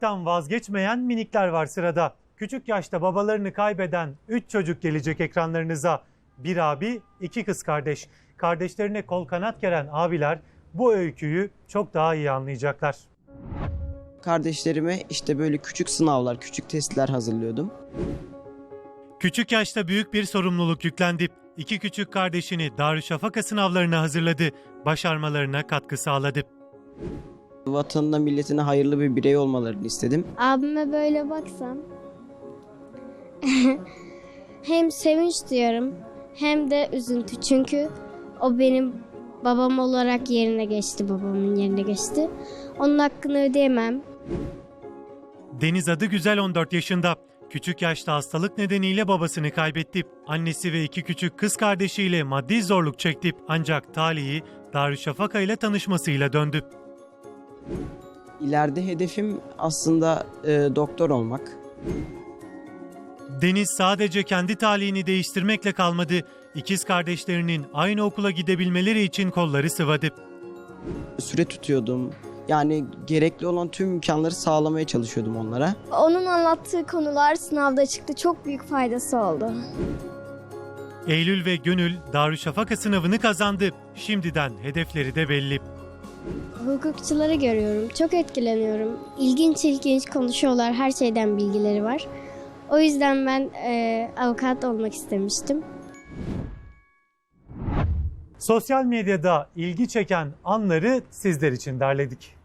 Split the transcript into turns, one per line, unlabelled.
Tam vazgeçmeyen minikler var sırada. Küçük yaşta babalarını kaybeden 3 çocuk gelecek ekranlarınıza. Bir abi, 2 kız kardeş. Kardeşlerine kol kanat geren abiler bu öyküyü çok daha iyi anlayacaklar.
Kardeşlerime işte böyle küçük sınavlar, küçük testler hazırlıyordum.
Küçük yaşta büyük bir sorumluluk yüklendi. 2 küçük kardeşini Darüşşafaka sınavlarına hazırladı. Başarmalarına katkı sağladı.
Vatanına, milletine hayırlı bir birey olmalarını istedim.
Abime böyle baksam hem sevinç duyarım hem de üzüntü. Çünkü o benim babam olarak yerine geçti, babamın yerine geçti. Onun hakkını ödeyemem.
Deniz adı güzel 14 yaşında. Küçük yaşta hastalık nedeniyle babasını kaybetti. Annesi ve 2 küçük kız kardeşiyle maddi zorluk çekti. Ancak talihi Darüşşafaka ile tanışmasıyla döndü.
İleride hedefim aslında doktor olmak.
Deniz sadece kendi talihini değiştirmekle kalmadı. İkiz kardeşlerinin aynı okula gidebilmeleri için kolları sıvadı.
Süre tutuyordum. Yani gerekli olan tüm imkanları sağlamaya çalışıyordum onlara.
Onun anlattığı konular sınavda çıktı. Çok büyük faydası oldu.
Eylül ve Gönül Darüşşafaka sınavını kazandı. Şimdiden hedefleri de belli.
Hukukçuları görüyorum. Çok etkileniyorum. İlginç konuşuyorlar. Her şeyden bilgileri var. O yüzden ben avukat olmak istemiştim.
Sosyal medyada ilgi çeken anları sizler için derledik.